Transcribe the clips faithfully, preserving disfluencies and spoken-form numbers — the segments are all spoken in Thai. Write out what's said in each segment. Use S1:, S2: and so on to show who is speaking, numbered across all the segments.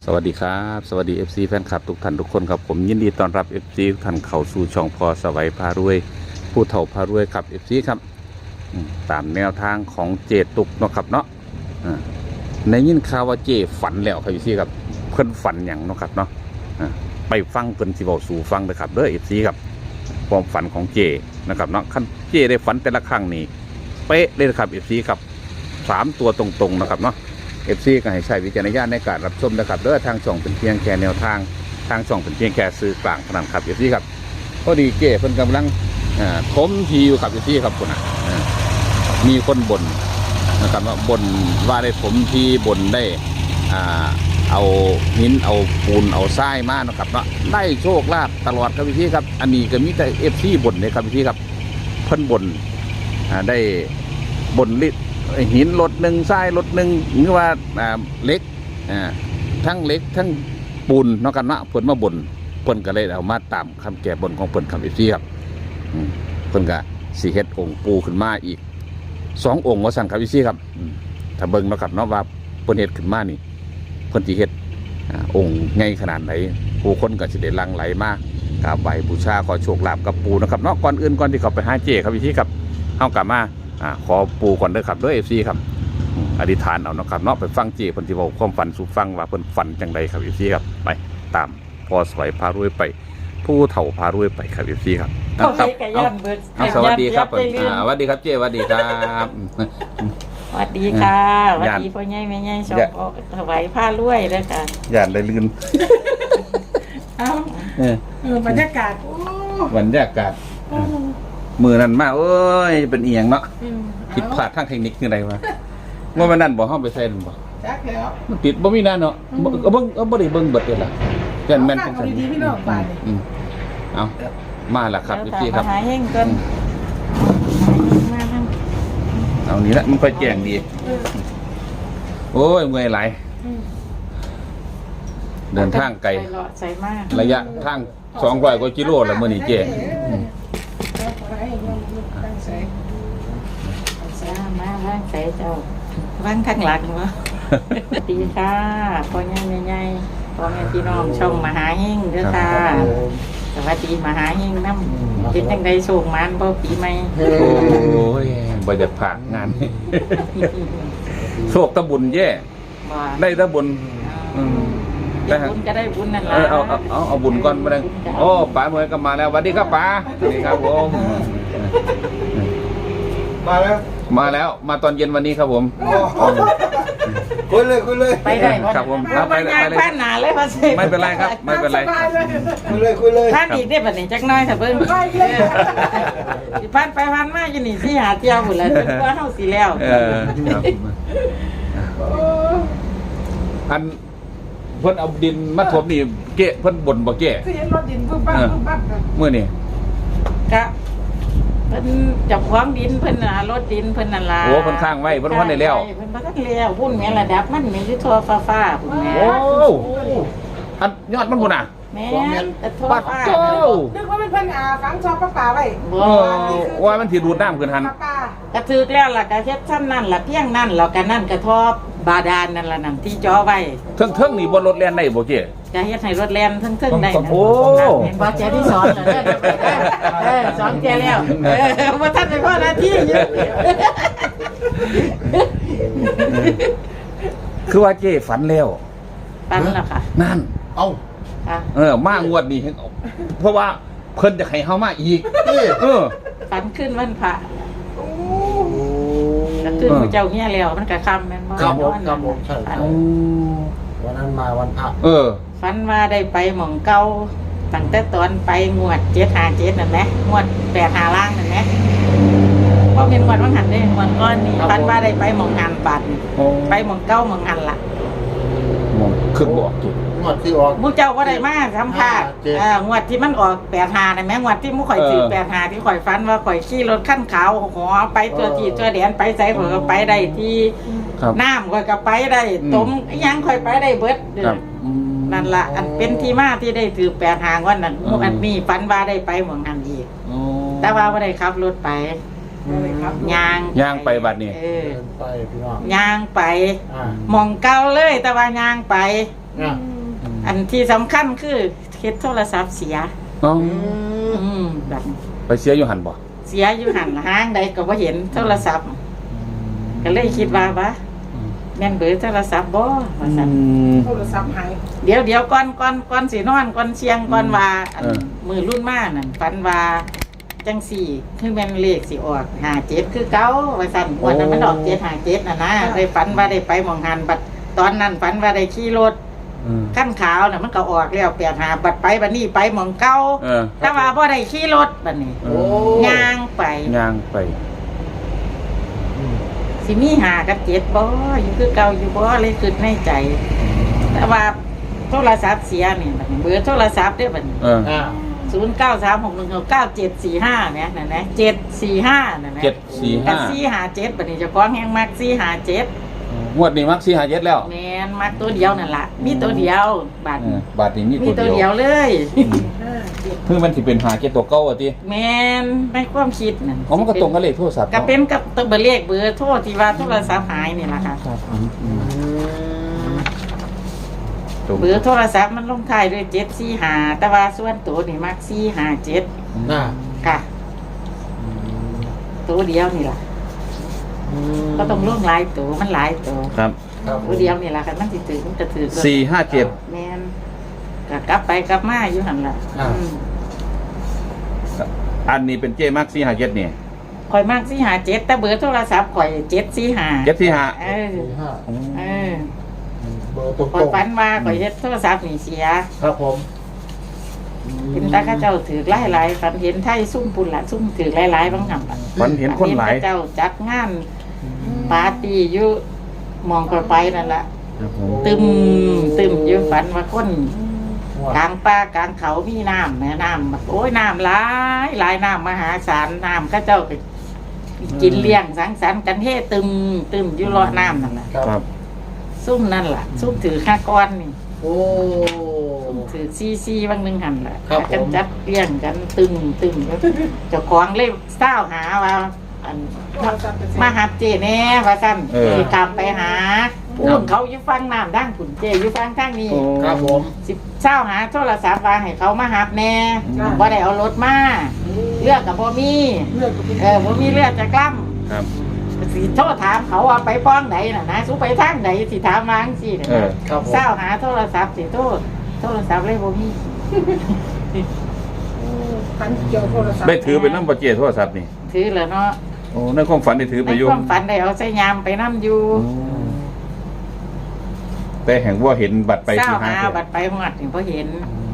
S1: สวัสดีครับสวัสดี เอฟ ซี แฟนคลับทุกท่านทุกคนครับผมยินดีต้อนรับ เอฟ ซี ทุกท่านเข้าสู่ช่องพอสวัยพารวยผู้เฒ่าพารวยครับ เอฟ ซี ครับตามแนวทางของเจตุกเนาะครับเนาะในยินข่าวว่าเจฝันแล้วครับ เอฟ ซี ครับเพิ่นฝันอย่างเนาะครับเนาะไปฟังเพิ่นสิเว้าสู่ฟังเลยครับเด้อ เอฟ ซี ครับความฝันของเจนะครับเนาะคันเจได้ฝันแต่ละครั้งนี่เป๊ะเลยครับ เอฟ ซี ครับสามตัวตรงๆนะครับเนาะเอฟซีก็ให้ใช้วิจารณญาณในการรับชมนะครับเด้อทางช่องเป็นเพียงแค่แนวทางทางช่องเป็นเพียงแค่ซื้อกลางเท่านั้นครับเอฟซีครับพอดีเก้เพิ่นกำลังถมทีอยู่ครับเอฟซีครับคุณอ่ะมีคนบ่นนะครับว่าบ่นว่าได้ถมทีบ่นได้เอาหินเอาปูนเอาทรายมานะครับเนาะได้โชคลาภตลอดครับเอฟซีครับอันนี้ก็มีแต่เอฟซีบ่นเลยครับเอฟซีครับเพิ่นบ่นได้บ่นลิหินรถหนึ่งทรายรถหนึ่งหรือว่าเล็กทั้งเล็กทั้งปูนเนาะกันเนาะเพิ่นมาบ่นเพิ่นก็เลยเอามาตามคำแก่บ่นของเพิ่นคำอีกทีครับเพิ่นก็สีเฮ็ดองค์ปูขึ้นมาอีกสององค์ว่าสั่งครับอีกทีครับถ้าเบิ่งเนาะครับเนาะว่าเพิ่นเฮ็ดขึ้นมานี่เพิ่นสิเฮ็ดองค์ใหญ่ขนาดไหนผู้คนก็สิได้หลั่งไหลมากราบไหว้บูชาขอโชคลาภกับปูนะครับเนาะก่อนอื่นก่อนที่เขาไปหาเจครับอีกทีครับเฮากลับมาอ่าขอปูก่อนเด้อครับเด้อ เอฟ ซี ครับอธิษฐานเอาเนาะครับเนาะไปฟังเจเพิ่นสิเว้าความฝันสู่ฟังว่าเพิ่นฝันจังไดครับ เอฟ ซี ครับไปตามพอสวยพารวยไปผู้เฒ่าพารวยไปครับ เอฟ ซี ครับครับเอาสวัสดีครับอ่าสวัสดีครับเจสวัสดีครับ
S2: สวัสดีค่ะสวัสดีพ่อใหญ่แม่ใหญ่ชอบถวายผ้ารวยเด้อค่ะ
S1: ย่านได้ลืม
S3: เอ้าเออบรรยากาศโอ้
S1: บรรยากาศมือนั่นมาเอ้ยเป็นเอียงเนาะผิดพลาดทางเทคนิคคืออะไรวะเมื่อวันนั้นบอกห้องไปใส่หรือเปล่า
S3: จักแล้ว
S1: มันติดบ่มีนานเนาะเอาเบิ่งเอาบ่ได้เบิ่งเบิดเลยล่ะแม่นแม่นจังซั่น
S3: ดีๆพี่น้องบ้านนี่
S1: เอามาแล้วครับพี่ครับ
S2: หาเฮงก่อนมาทาง
S1: เอานี่ละมันค่อยแจ้งดีโอ้ยเมื่อยหลายเดินทางไกลระยะทางสองร้อยกว่ากิโลแล้วมื้อนี้เจ๊
S2: มาว่างใส่เจ้าว่างข้างหลังวะสวัสดีค่ะพ่อใหญ่แม่ใหญ่พ่อแม่พี่น้องช่องมหาเฮงเด้อค่ะสวัสดีมหาเฮงน้ำเป็นจังไดโชคมันบ่ปีใหม่
S1: โอ้ยบ่อยากผ่านงานโชคตะบุญแย่ได้ตะบุญ
S2: ได้บุญก็ได้บุญนั่นแหละ
S1: เอาเอาเอาเอาบุญก่อนมาเลยโอ้ป๋าเมื่อก็มาแล้วสวัสดีครับป๋าสวัสดีครับผม
S3: มาแล้ว
S1: มาแล้วมาตอนเย็นวันนี้ครับผม
S3: คุยเลยคุยเลย
S2: ไปได้
S1: ครับผม
S2: ไปเลยไปเลยผ่านหนาเลยมาสิ
S1: ไม่เป็นไรครับไม่เป็นไร
S3: คุยเลยคุยเลย
S2: ผ่านอีกได้แบบนี้จักน้อยแต่เพิ่งผ่านไปผ่านมาจะหนีที่หาเที่ยวหมดแล้วจนกว่าเท่าสีแล้ว
S1: อันเพิ่นเอาดินมาถมนี่เกะเพิ่นบ่นบ่เกะ
S3: คือเห็นรถดินปุ๊บปั๊บปุ๊บปั๊บ
S1: เมื่อนี่
S2: ก็เพิ่นจับความดินเพิ่นน่ะรถดินเพิ่นนั่นล่ะ
S1: โอ้เพิ่นข้างไว้เพิ่นว่าได้แล้ว
S2: เพิ่นบ่ทันแล้วพุ่นแม่ระดับมันมีอยู่ทั่วฟ้าๆพุ่นแม่
S1: โอ้อันยอดมันพุ่นน่ะ
S2: แม่แต่ทั่วฟ้า
S3: นึกว่าเป็นเพิ่นอ่าฝังชอบปลาป่าไว้
S1: บ่ว่ามันสิดูดน้ำขึ้นหั่น
S2: ก็ถูกแล้วล่ะก็เฮ็ดซ้ำนั่นล่ะเพียงนั่นแล้วก็นั่นก็ทอบาดาลนั่นล่ะนั่นที่จ่อไว้
S1: เทิงๆนี่บ่รถแล่นได้บ่เจ้
S2: ก็เฮ็ดให้รถแล่นเทิงๆได้นะ
S1: โอ้
S2: เห็นบ่เจ้ที่สอนเด้อเออสอนแกแล้วเออบ่ทันได้พอหน้าที่อยู่
S1: คือว่าเจ้ฝันแล้ว
S2: ฝันแล้วค่ะ
S1: นั่นเอ้า
S2: ค่ะ
S1: เออมางวดนี้เพราะว่าเพิ่นจะให้เฮามาอีกเออ
S2: ฝันขึ้นวันพระก็คือพระเจ้าเฮียแล้วมันก็ค่ำแม่นบ่
S3: ครับผมครับผมใช่วันนั้นมาวันพระ
S1: เออ
S2: ฝันว่าได้ไปหม่องเก่าตั้งแต่ตอนไปงวดเจ็ดห้าเจ็ดนั่นแหละงวดแปดห้าล่างนั่นแหละพอเป็นงวดว่างหันได้งวดก้อนนี้ฝันว่าได้ไปหม่องงานบัตรไปหม่องเก่าหม่องงานล่ะ
S1: หม่องขึ้นบ่ออกจุด
S3: งวดที่ออก
S2: มูเจ้าก็ได้มาทำค่ะงวดที่มันออกแปดหาได้ไหมงวดที่มูข่อยถือแปดหาที่ข่อยฟันว่าข่อยขี่รถขั้นขาวหัวไปตัวจีตัวแดนไปใส่ข่อยก็ไปได้ที่น้ำข่อยก็ไปได้ต้มยังข่อยไปได้เบิดนั่นละอันเป็นที่มาที่ได้ถือแปดหางวันนั้นอันนี้ฟันว่าได้ไปหมองหันอีกแต่ว่าไม่ได้ขับรถไปยาง
S1: ยางไปบัดนี้
S2: ยางไปมองเก่าเลยแต่ว่ายางไปอันที่สำคัญคือเฮ็ดโทรศัพท์เสีย
S1: อ๋อ
S2: อืมแบบ
S1: ไปเสียอยู่หันบ่
S2: เสียอยู่หันห้างใดก็บ่เห็นโทรศัพท์ ก็เลยคิดว่าบ่แม่นเบอร์โทรศัพท์บ่ว่าซั่น
S3: โทรศัพท์หาย
S2: เดี๋ยวเดี๋ยวก่อนก่อนก่อนสินอนก่อนเชียงก่อนว่าอัน
S1: เออ
S2: มือรุ่นมานั่นฝันว่าจังสี่คือแม่นเลขสิออกห้าเจ็ดคือเก่าว่าซั่นวันนั้นมันออกเจ็ดห้าเจ็ดน่ะนะได้ฝันว่าได้ไปหม่องหันบัดตอนนั้นฝันว่าได้ขี่รถ
S1: อืม
S2: ขั้นขาวน่ะมันก็ออกแล้วแปดหาบัดไปบัดนี้ไปหม่องเก่า
S1: เออ
S2: แต่ว่าบ่ได้ขี่รถบัดนี้
S1: เอ
S2: ย่างไป
S1: ย่างไป
S2: สิมีหากับเจ็ดบ่อยู่คือเก่าอยู่บ่เลยคิดในใจ แต่ว่าโทรศัพท์เสียนี่บัดนี้เบอร์โทรศัพท์เด้อบัดนี้
S1: เออ
S3: อ่า
S2: ศูนย์เก้าสามหกหนึ่งเก้าเจ็ดสี่ห้าเนี่ยนั่นนะเจ็ดสี่ห้านั่นนะ
S1: เจ็ดสี่
S2: กั
S1: ห้า
S2: บสี่หาเจ็ดบัดนี้เจะคล้าของแห้งมากสี่หาเจ็ด
S1: งวดนี้มักสี่หาเจ็ดแล้ว
S2: แมนมากตัวเดียวนั่นละมีตัวเดียวบาท
S1: เออบาทนี้มี
S2: มี
S1: ตัว
S2: ตัว
S1: เดี
S2: เดี
S1: ย
S2: ยว วเลย
S3: ห้าเจ็ด
S1: เพิ่งมันสิเป็นหาเจ็ดตัวเก้าอ่ะติ
S2: แมนในความคิดนั่น
S1: อ๋อมันก็ตรงกับเลขโทรศัพท์
S2: ก็
S1: เนาะ
S2: เป็นกับตัวเบอร์เลขเบอร์โทษที่ว่าโทรศัพท์หายนี่แหละค่ะ
S1: ครับอืมอืมตรง
S2: เบอร์โทรศัพท์มันลงท้ายด้วยเจ็ดสี่หาแต่ว่าส่วนตัวนี่มักสี่หาเจ็ด
S3: อ่า
S2: ค่ะ ตัวเดียวนี่แหละก็ต้องลงหลายตัวมันหลายตัว
S1: ครับ
S3: ครับ
S2: ตัวเดียวนี่แหละค่ะมันสิถือมันจะถือ
S1: สี่ห้าเจ็ด
S2: แมนก็กลับไปกลับมาอยู่หันละ
S3: อ่า
S2: อืม
S1: อันนี้เป็นเจมักสี่หาเจ็ดนี่
S2: ข่อยมากสี่หาเจ็ดแต่เบอร์โทรศัพท์ข่อยเจ็ดสี่หา
S1: เจ็ดสี่หา
S2: เออ
S3: สี่ห้า
S2: เออ
S3: เบอร์ตรง
S2: ข่อยฝันว่าข่อยเฮ็ดโทรศัพท์นี่เสีย
S3: ครับผม
S2: เห็นตาข้าเจ้าถือหลายๆฝันเห็นไทยซุ่มปุ่นละซุ่มถือหลายๆบางหำอะ
S1: ฝันเห็นคนหลาย
S2: เห็ข้าเจ้าจัดงานปาร์ตี้อยู่หมองข่อยไปนั่นแหละ
S1: ครับผม
S2: ตึมตึมอยู่ฝันว่าคน
S3: งวด
S2: กลางป่ากลางเขามีน้ำแม่น้ำแบบโอ้ยน้ำหลายหลายน้ำมหาศาลน้ำข้าเจ้าก็กินเลี้ยงสังสรรค์กันเฮตึมตึมอยู่รอน้ำนั่นแหละ
S1: ครับ
S2: ซุ่มนั่นล่ะ ซุ่มถือข้าก้อนนี่
S3: โอ้
S2: ซุ่มถือซีซีบางหนึงหันล่ะ
S3: ครับ
S2: กัน
S3: ผม
S2: จัดเลี้ยงกันตึมตึมเจ้าของเลยเศร้าหาว่าอันมาหาเจแน่ว่าสั่น
S1: เออ
S2: สิตามไปหาพูนเขาอยู่ฟังน้ำดั้งผุนเจอยู่ฟังทางนี้
S1: โอ้
S3: ครับผม
S2: สิเศร้าหาโทรศัพท์ว่าให้เขามาหับแน่
S1: อืม
S2: บ่ได้เอารถมาเลือกกับบ่มี
S3: เลือกก็เป็น
S2: เออบ่มีเลือดจะกล้
S1: ครับ
S2: ำสิโทรถามเขาว่าไปป้องไหนน่ะนะสู้ไปทางไหนสิถามมาจังซี่น่ะ
S1: เออ
S3: ครับผม
S2: เศร้าหาโทรศัพท์สิโทษโทรศัพท์เลยบ่มี
S3: พันเกี่ยวโทรศัพท์
S1: ได้ถือเป็นน้ำบาเจโทรศัพท์นี่
S2: ถือแล้วเนาะ
S1: โอ้ในความฝันได้ถือ
S2: ใน
S1: ไปอยู่
S2: ความฝันได้เอาใส่ยามไปนํอยู่
S1: โอ้แต่แห่งว่าเห็นบัตรไป
S2: เศร้า
S1: สี่ห้า
S2: หา
S1: เจ็ด
S2: บัดไปหอดนี่บ่เห็น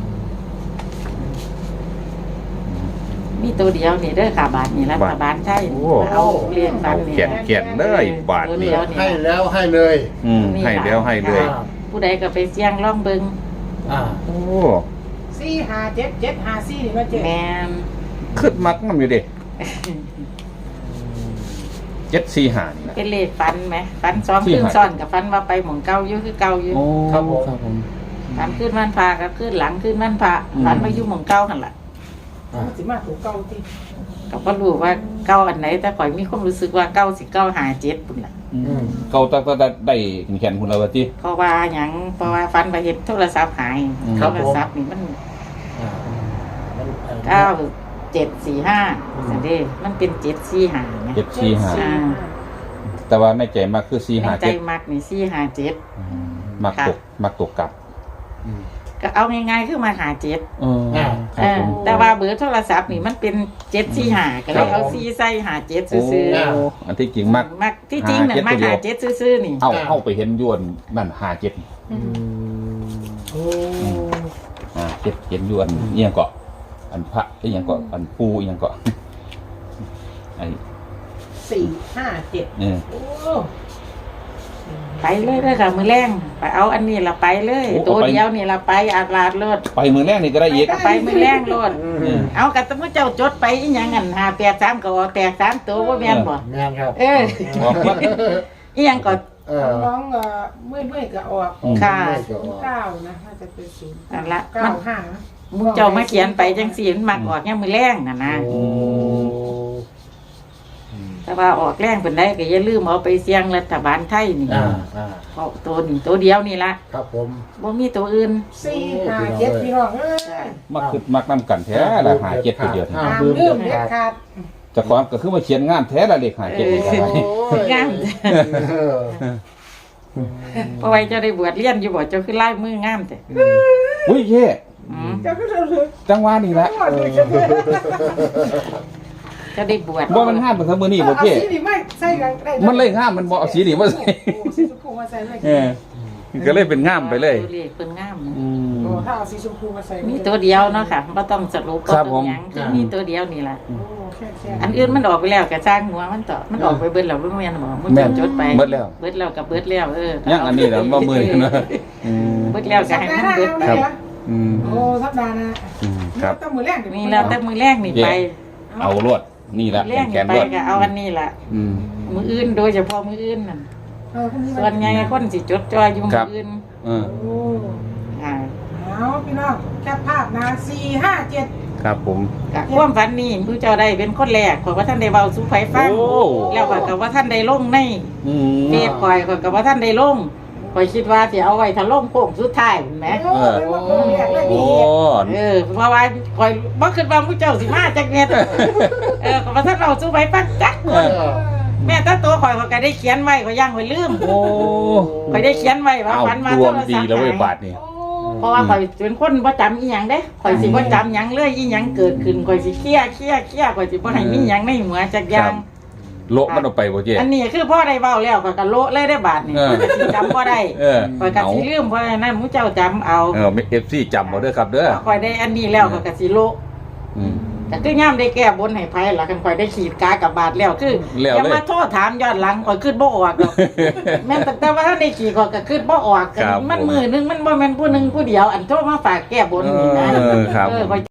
S2: มีตัวเดียวนี่เด้อค่ะบาทนี่รัฐบาลใช่เอาเรียนฝันนี่
S1: เขียนเขียนเลยบาท
S2: ตัว
S1: นี่
S2: เดียว
S3: ให้แล้วให้เลย
S1: อืมให้แล้วให้เลย
S3: อ่า
S2: ผู้ใดก็ไปเสี่ยงล่องเบิง
S3: อ่า
S1: โอ้
S3: สี่ห้าเจ็ดเจ็ดห้าสี่นี่มาเจ็ด
S2: แมน
S1: ขึ้นมักมันอยู่เด็เจ็ดสี่หานี่นะ
S2: เป็นเลขฟันไหมฟันซ้อม
S1: ที่
S2: ขึ้น
S1: หา
S2: ซ้อนกับฟันว่าไปหมองเก่าอยู่คือเก่าอยู่
S1: โอ้
S3: ครับผม
S1: ครับผม
S2: ฟันขึ้นวันพากับขึ้นหลังขึ้นวันพา
S1: อืม
S2: ฟันมาอยู่หมองเก่าหันละ
S3: อ่าสิมาถูกเก้าที่
S2: ก็บ่รู้ว่าเก่าอันไหนแต่ข่อยมีความรู้สึกว่าเก่าสิเก่าหาเจ็ดปุ่นล่ะ
S1: อืมเกาตาตาตาได้แขนคุณเราวะที่
S2: เพราะว่าหยังเพราะว่าฟันไปเห็นโทรศัพท์หาย
S1: อืม
S2: โทรศัพท์นี่มัน
S3: อ่ามัน
S2: เก้าเจ็ดสี่ห้าสันเดมันเป็นเจ็ดสี่หาไง
S1: เจ็ดสี่หา
S2: อ่า
S1: แต่ว่าในใจมากคือสี่
S2: ใน
S1: หา
S2: ใจ
S1: เจ็ด
S2: มักนี่สี่หาเจ็ด
S1: อืมมักตกมักตกกลับ
S3: อืม
S2: ก็เอาง่ายๆคือมาหาเจ็ด
S1: เออ
S3: อ่า
S1: ครับผม
S2: เออแต่ว่าเบอร์โทรศัพท์นี่มันเป็นเจ็ดสี่หาก็เลยเอาสี่ใส่หาเจ็ด
S1: โอ้
S2: ซื่อ
S1: อันที่จริงมัก
S2: ๆมักที่จริงเนี่ย
S1: หา
S2: มา
S1: เจ็
S2: หา
S1: ดตัวเดียว
S2: เจ็ดซื่อๆนี่
S1: เอาเข้าไปเห็นยวนนั่นหาเจ็ด
S3: อืมโอ้
S1: หาเจ็ดเห็นยวนเอียงเกาะอันพระเอียงเกาะอันปูเอียงเกาะไอ้
S3: สี่ห้าเจ็ด
S1: เนี่ย
S3: โอ้
S2: ไปเลยเด้อค่ะมือแรงไปเอาอันนี้ละไปเลย ตัวเดียวนี่ละไปอาลาดโลด
S1: ไปมือแรกนี่ก็ได้อีก
S2: ไปมือแรงโลด
S1: อืม
S2: เอากับตะมุเจ้าจดไปอีหยังอันหาแปดสามก็ออกแตกสามตัวว่าแม่นบ่
S3: แม่นครับ
S2: เออ
S1: บอกว่า
S2: อีหยังก็
S3: เออ
S4: น้องเอ่อเมื่อยเมื่อยๆก็ออก
S1: อืม
S2: ค่ะ
S3: ไม่เกี่ยว
S4: เก้านะน่าจะเป็นศูนย์
S2: นั่นละ
S4: เก้า
S2: มัน
S4: ห้า
S2: มุเจ้ามาเขียนไปจังสี่มันมักออกเนี่ยมือแรงน่ะนะ
S3: โอ้
S2: กแต่ว่าออกแรงเป็นได้ก็อย่าลืมเอาไปเสี่ยงรัฐบาลไทยนี่
S3: อ่าอ่า
S2: เพราะตัวนี้ตัวเดียวนี่ละ
S3: ครับผม
S2: บ่มีตัวอื่น
S4: สี่ห้าเจ็ดพี่น้องเอ้ย
S1: มักคือมักนำกันแท้ละหาเจ็ดตัวเดียวนี่
S3: อ่า
S4: ห้าม
S3: ลืม
S4: ลื
S3: เด็
S4: ม
S3: ด
S4: เด็ด
S3: ขาด
S4: ขาด
S1: เจะของก็คือมาเขียนงานแท้ละเลขหาเจ็ดนี่ก็ได้
S3: โอ้ย
S2: งาม
S3: เออ
S2: เพราะไว้เจะได้บวชเรียนอยู่บ่เจ้าคือลายมืองามแต่
S1: อุ้ยเย่
S2: อืม
S4: เจ้าก็จะรู้
S1: จังหวะนี่ละ
S4: ว่าเลยจะเป็น
S2: เจะได้บวช
S1: บ่มันงามเป็นเสมอนี่บ่
S4: เอา
S1: เจ้
S4: สีนี่ไม่ใส่กันได้
S1: มันเลยงามมันบ่เอาสีนี่มาใส่
S4: โอ้สีชมพูมาใส่เลย
S1: เออก็เลยเป็นงามไปเลย
S2: ตัวเลขเพิ่นงาม
S1: อืม
S4: โอ้ถ้าเอาสีชมพูมาใส่
S2: มีตัวเดียวเนาะค่ะบ่ต้องสรุป
S1: ครับ
S2: บ่
S1: ผ
S2: ต้อง
S1: ม
S2: หยังคือมีตัวเดียวนี่ล่ะ
S4: โอ้แค่แค่
S2: อันอื่นมันออกไปแล้วก็สร้างหัวมันต่อมันออกไปเบิดแล้วบ่แม่นบ่มัน
S1: แม่น
S2: จดไป
S1: เบิดแล้ว
S2: เบิดแล้วก็เบิดแล้วเออ
S1: ยังอันนี้นะบ่มือนี่นะอืม
S2: เบิดแล้วก็ให้มันเบิดไป
S1: ครับ อืม
S4: โอ้สัปดาห์นะ
S1: อืมครับ
S4: ต้องมือแรก
S2: นี่แล้วแต่มือแรกนี่ไป
S1: เอารวดนี่ละ
S2: แรก
S1: แข
S2: นี่
S1: น
S2: ไป
S1: รวด
S2: ก็เอาอันนี้ล่ะ
S1: อืม
S2: มืออื่นโดยเฉพาะมืออื่นนั่น
S4: เออพรุ่งนี้
S2: ส่วนใหญ่คนสิจดจ่อยอยู่มื
S1: ครั
S2: อบ อื่น
S1: เออ
S4: โอ้
S2: อ่า
S4: เอาพี่น้องแคปภาพนะสี่ห้าเจ็ด
S1: ครับผม
S2: ก็ความฝันนี่ผู้เจ้าได้เป็นคนแรกขอยว่าท่านได้เว้าสู่ไผฟัง
S1: โอ้
S2: แล้วก็ก็ว่าท่านได้ลงใน
S1: อืม
S2: เฟซข่อยข่อยก็ว่าท่านได้ลงข่อยคิดว่าสิเอาไว้ถ้าลงโค้งสุดท้ายแหม
S4: โอ้เป็นว่ามือแรกเลย
S1: โอ้
S4: พี่
S2: เออเพราะว่าข่อยบ่คิดว่าผู้เจ้าสิมาจักเม็ดเออก็ว่าท่านเอาสู่ไผฟังจักค
S1: เอน อ
S2: แม่ถ้าตัวข่อยข่อยก็ได้เขียนไว้ข่อยย่างไว้ลืม
S1: โอ้
S2: ข่อยได้เขียนไว้ว่า
S1: เอา
S2: ฝันมา
S1: ด
S2: โท
S1: วง
S2: ร
S1: ดี
S2: ศัพท์
S1: แล้วเว้ย
S2: หาย
S1: บาทนี่
S2: เพราะว่าข่อยเป็นคนบ่จำอีหยังเด้ข่อยสิบ่จำหยังเลยอีหยังเกิดขึ้นข่อยสิเครียดเครียดเครียดข่อยสิบ่ให้มีหยังในหัวจักอย่าง
S1: โละมันออกไปบ่เจ๊
S2: อันนี้คือพ่อได้เว้าแล้วข่อยก็โละเลยได้บาดนี่
S1: เออ
S2: ข่อยก็สิจำบ่ได้
S1: เออ
S2: ข่อยก็
S1: เอา
S2: สิลืมเพราะฉะนั้นหมู่เจ้าจำเอา
S1: เออเอฟซีจำเอาเด้อครับเด้อ
S2: ข่อยได้อันนี้แล้วข่อยก็สิโละ
S1: อืม
S2: แต่คือย่ามได้แก้บนให้ไผล่ะคันข่อยได้ขีดกากับบาดแล้วคือ
S1: แล้ว
S2: อย่า
S1: เลย
S2: มาโทษถามย้อนหลังข่อยคิดบ่ออกดอกแม่นแต่แต่ว่าถ้าได้ขีดข่อยก็คิดบ่ออก
S1: ครับ
S2: มัน
S1: ผม
S2: มือนึงมันบ่แม่นผู้หนึงผู้เดียว อันโทรมาฝากแก้บนนี่นะ
S1: เออครับ
S2: เออข่อย